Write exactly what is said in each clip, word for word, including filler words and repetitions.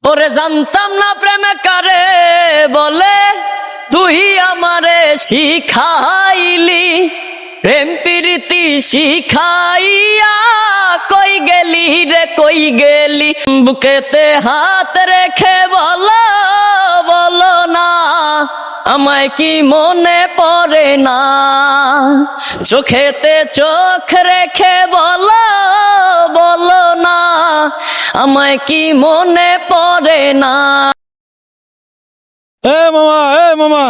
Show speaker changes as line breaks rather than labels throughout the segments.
ওরে জানতাম না প্রেমে কারে বলে, তুই আমারে শিখাইলি। প্রেম প্রীতি শিখাইয়া কই গেলি রে কই গেলি। বুকেতে হাত রেখে বলো বলো না, আমায় কি মনে পড়ে না। চোখেতে চোখ রেখে বলো বলো না, আমায় কি মনে পড়ে না।
এ মামা এ মামা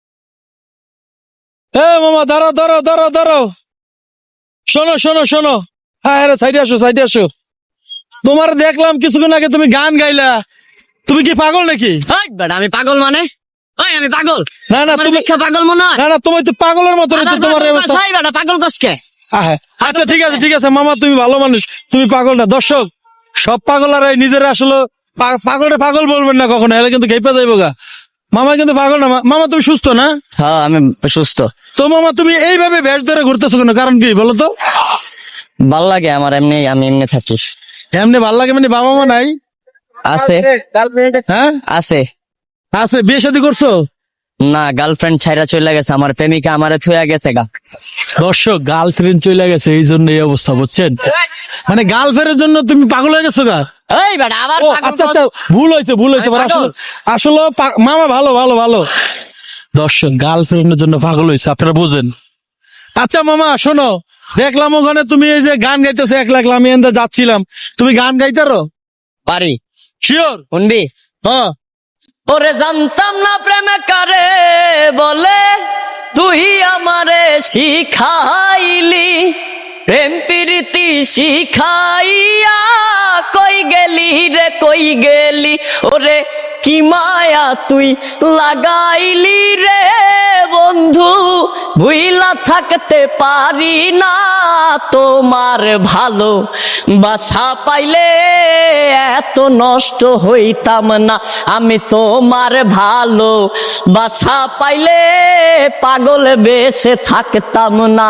এ মামা দাঁড়াও দাঁড়াও দাঁড়াও দাঁড়াও শোনো শোনো শোনো হ্যাঁ হ্যাঁ সাইডে আসো সাইডে আসো। তোমার দেখলাম কিছুক্ষণ আগে তুমি গান গাইলা, তুমি কি পাগল নাকি?
হাই বেটা, আমি পাগল মানে? ওই আমি পাগল
না না
আমার
তুমি
দেখে পাগল মনে হয়?
না না তুমি তো পাগলের মতো
আবার
তোমার
পাগল
অবস্থা।
কসাই বেটা, পাগল কসকে?
আহে, আচ্ছা ঠিক আছে ঠিক আছে মামা, তুমি ভালো মানুষ, তুমি পাগল না। দর্শক সব পাগল আর নিজেরা আসলে পাগলটা পাগল বলবেন না কখনো, এলে কিন্তু খেপে যাইব গা। মামা কিন্তু পাগল না। মামা তুমি সুস্থ না?
হ্যাঁ আমি সুস্থ।
তো মামা তুমি এইভাবে বেশ ধরে ঘুরতেছো কেন, কারণ কি বলো তো?
ভাল লাগে আমার এমনি, আমি এমনি থাকি।
এমনি ভাল লাগে মানে বাবা মা নাই?
আছে
হ্যাঁ
আছে
আছে। বিয়ে শাদী করছো?
না, গার্লফ্রেন্ড ছাইরা চলে গেছে, আমার প্রেমিকা আমারে থুয়া গেছে গা।
দর্শক গার্লফ্রেন্ড চলে গেছে এই জন্য এই অবস্থা, বুঝছেন? মানে গার্লফ্রেন্ডের জন্য তুমি পাগল হয়ে গেছো গা?
এই বেটা আবার
ও
পাগল
আচ্ছা
কস-
আচ্ছা ভুল হয়েছে ভুল হয়েছে
আমি
আসলে
পাগল।
আসলে পা- মামা ভালো ভালো ভালো। দর্শক গার্লফ্রেন্ডের জন্য পাগল হয়েছে, আপনারা বুঝেন। আচ্ছা মামা শোনো, দেখলাম ওখানে তুমি এই যে গান গাইতেছো এক লাখ, আমি এনদা যাচ্ছিলাম, তুমি গান গাইতারো?
পারি।
শিওর?
শুনবি?
হ্যাঁ।
ওরে জানতাম না প্রেমে কারে বলে, তুই আমারে শিখাইলি। প্রেম প্রীতি শিখাইয়া কই গেলি রে কই গেলি। ওরে কি মায়া তুই লাগাইলি রে বন্ধু, ভুইলা থাকতে পারি না তোমার ভালো বাসা পাইলে এত নষ্ট হইতাম না। আমি তোমার ভালো বাসা পাইলে পাগল বেশে থাকতাম না।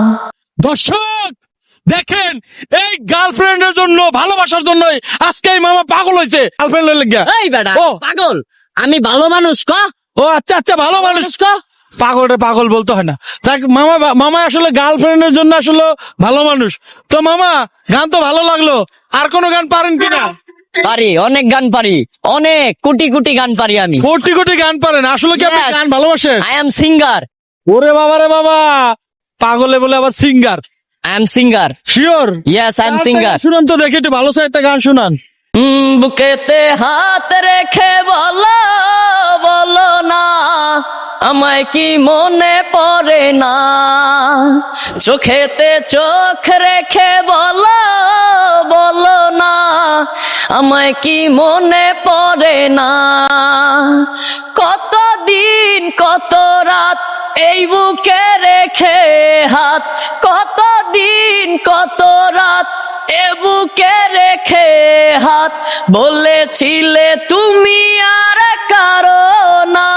দর্শক দেখেন, এই গার্লফ্রেন্ডের জন্য ভালোবাসার জন্য আজকে এই মামা পাগল হয়েছে গার্লফ্রেন্ড লেগে।
এই বেটা
ও
পাগল, আমি ভালো মানুষ ক।
ও আচ্ছা আচ্ছা ভালো মানুষ।
মানুষ ক।
পাগলটা পাগল বলতে হয় না। দেখ মামা মামা আসলে গার্লফ্রেন্ডের জন্য আসলে ভালো মানুষ। তো মামা গান তো ভালো লাগলো, আর কোনো গান পারেন কিনা?
পারি, অনেক গান পারি, অনেক কোটি কোটি গান পারি আমি।
কোটি কোটি গান পারেন? আসলে কি আপনি
Yes.
গান ভালোবাসেন?
I am singer.
ওরে বাবা রে বাবা, পাগলে বলে আবার singer?
I am singer.
Sure?
Yes I am singer.
শুনান তো দেখি একটু ভালো একটা গান শুনান।
হুম, বুকেতে হাত রেখে বলো বলো না, আমায় কি মনে পড়ে না। চোখেতে চোখ রেখে বলো বলো না, আমায় কি মনে পড়ে না। কতদিন কত রাত এই বুকে রেখে হাত, কতদিন কত রাত এ বুকে রেখে হাত, বলেছিলে তুমি আর কারো না।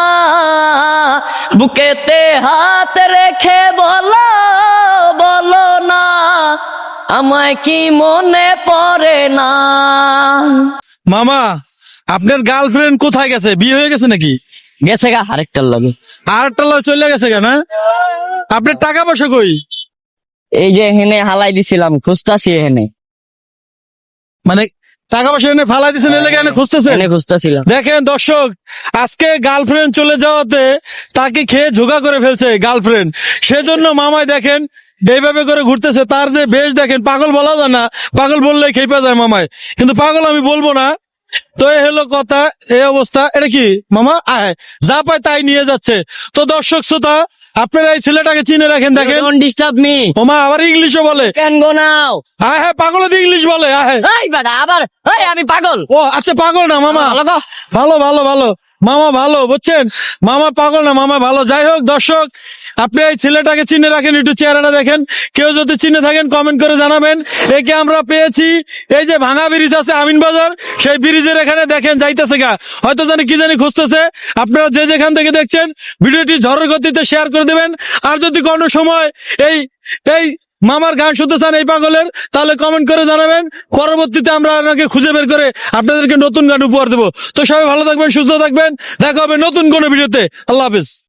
বুকেতে হাত রেখে বলো বলো না, আমায় কি মনে পড়ে না।
মামা আপনার গার্লফ্রেন্ড কোথায় গেছে? বিয়ে হয়ে গেছে নাকি?
গেছে গা আরেকটার লগে।
আর একটা লয় চলে গেছে কেন? আপনার টাকা পয়সা কই?
এই যে হেনে হালাই দিছিলাম, খুঁজতাছি হেনে।
মানে টাকা পয়সা এনে ফালাই দিচ্ছেন, এলে কেন খুঁজতেছেন?
হেনে খুঁজতাছিলাম।
দেখেন দর্শক, আজকে গার্লফ্রেন্ড চলে যাওয়াতে তাকে খেয়ে ঝোকা করে ফেলছে গার্লফ্রেন্ড, সেজন্য মামায় দেখেন এইভাবে করে ঘুরতেছে। তার যে বেশ দেখেন, পাগল বলা যায় না, পাগল বললেই খেপে যায় মামায়, কিন্তু পাগল আমি বলবো না। তো এই হলো কথা, এই অবস্থা। এটা কি মামা আয় যা পায় তাই নিয়ে যাচ্ছে। তো দর্শক শ্রোতা, আপনারা এই ছেলেটাকে চিনে রাখেন। দেখেন
ডোন্ট ডিস্টার্ব মি।
ওমা আবার ইংলিশও বলে।
Can go now.
আয় হ্যাঁ পাগল ইংলিশ বলে। আয়
এই বেটা আবার, এই আমি পাগল।
ও আচ্ছা পাগল না মামা,
ভালো গো।
ভালো ভালো ভালো মামা ভালো, বুঝছেন? মামা পাগল না, মামা ভালো। যাই হোক দর্শক, আপনি এই ছেলেটাকে চিনে রাখেন, একটু চেহারাটা দেখেন। কেউ যদি চিনে থাকেন কমেন্ট করে জানাবেন। একে আমরা পেয়েছি এই যে ভাঙা ব্রিজ আছে আমিন বাজার, সেই ব্রিজের এখানে দেখেন যাইতেছে গা, হয়তো জানি কি জানি খুঁজতেছে। আপনারা যে যেখান থেকে দেখছেন ভিডিওটি ঝড়ের গতিতে শেয়ার করে দেবেন। আর যদি কোনো সময় এই এই মামার গান শুনতে চান এই পাগলের, তাহলে কমেন্ট করে জানাবেন। পরবর্তীতে আমরা আপনাকে খুঁজে বের করে আপনাদেরকে নতুন গান উপহার দেবো। তো সবাই ভালো থাকবেন, সুস্থ থাকবেন, দেখা হবে নতুন কোনো ভিডিওতে। আল্লাহ হাফেজ।